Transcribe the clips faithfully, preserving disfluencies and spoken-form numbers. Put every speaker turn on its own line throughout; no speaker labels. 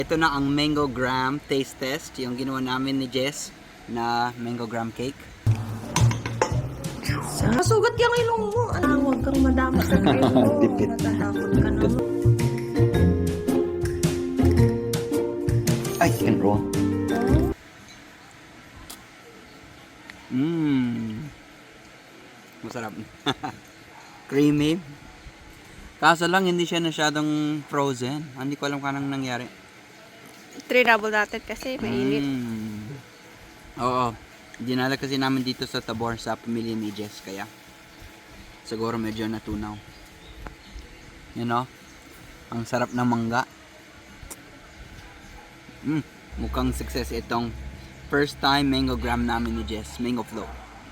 Ito na ang mango graham taste test, yung ginawa namin ni Jess na mango graham cake.
Masugat yung ilong mo. Ano, huwag kang madama sa ilong mo.
Dipit.
Natatakot ka naman.
Ay, can roll. Mmm. Masarap. Creamy. Kaso lang, hindi siya masyadong frozen. Hindi ko alam kung anong nangyari.
Trinable natin kasi mainit.
Mm. Oo. Dinala kasi namin dito sa Tabor sa pamilya ni Jess. Kaya siguro medyo natunaw. You know? Ang sarap ng mangga. Mm. Mukhang success itong first time mango graham namin ni Jess. Mango float.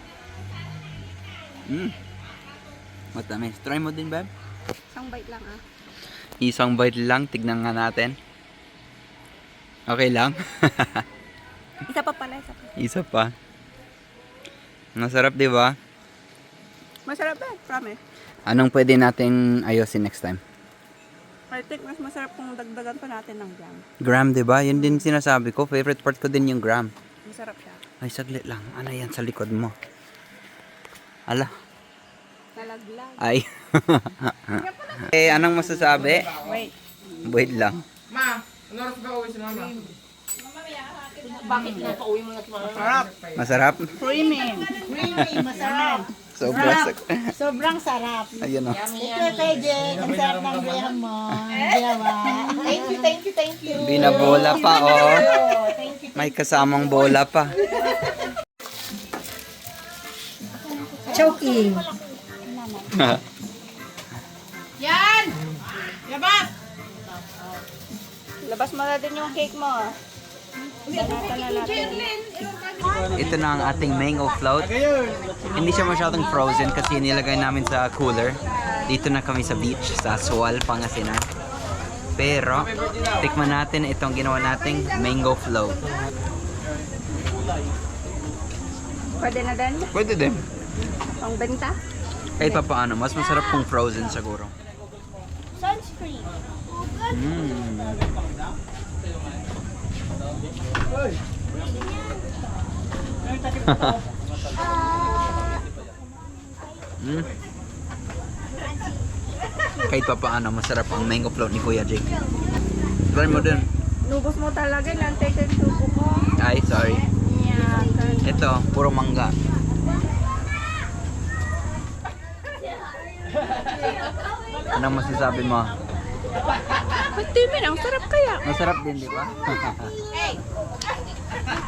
Mm. Matamis. Try mo din, babe?
Isang bite lang ah.
Isang bite lang. Tignan nga natin. Okay lang?
Isa pa pala, isa pa.
Isa pa. Masarap, di ba?
Masarap ba? Promise.
Anong pwede nating ayusin next time?
I think mas masarap kung dagdagan pa natin ng jam.
Gram, di ba? Yun din sinasabi ko. Favorite part ko din yung gram.
Masarap siya.
Ay, saglit lang. Ano yan sa likod mo? Ala.
Nalaglag.
Ay. Eh, anong masasabi?
Wait.
Wait lang.
Ma, ano oras ba uwi si mama?
Bakit na pauwi mo na si mama? Masarap.
Masarap?
Creamy. Creamy, masarap.
Sobra.
Sobrang sarap.
Ayun o.
Ito kay Jen, ang sarap ng graham mo. Jawa. Thank you, thank you, thank you.
Binabola pa, oh. May kasamang bola pa.
Choking.
Yan! Labas! Labas mo na din yung cake mo. Banatan na natin.
Ito na ang ating mango float. Hindi siya masyadong frozen kasi nilagay namin sa cooler. Dito na kami sa beach, sa Sual, Pangasinan. Pero, tikman natin itong ginawa nating mango float.
Pwede na din?
Pwede din.
Ang benta?
Kahit pa paano, mas masarap kung frozen siguro.
Sunscreen.
Mm. mm. Kahit pa paano, masarap ang mango float ni Kuya Jake. Try mo din.
Nubos mo talaga, nantay sa suko ko.
Ay, sorry.
Yan.
Ito, puro mangga. Anong masasabi mo?
Ba't di min? Ang sarap kaya.
Masarap din, di ba?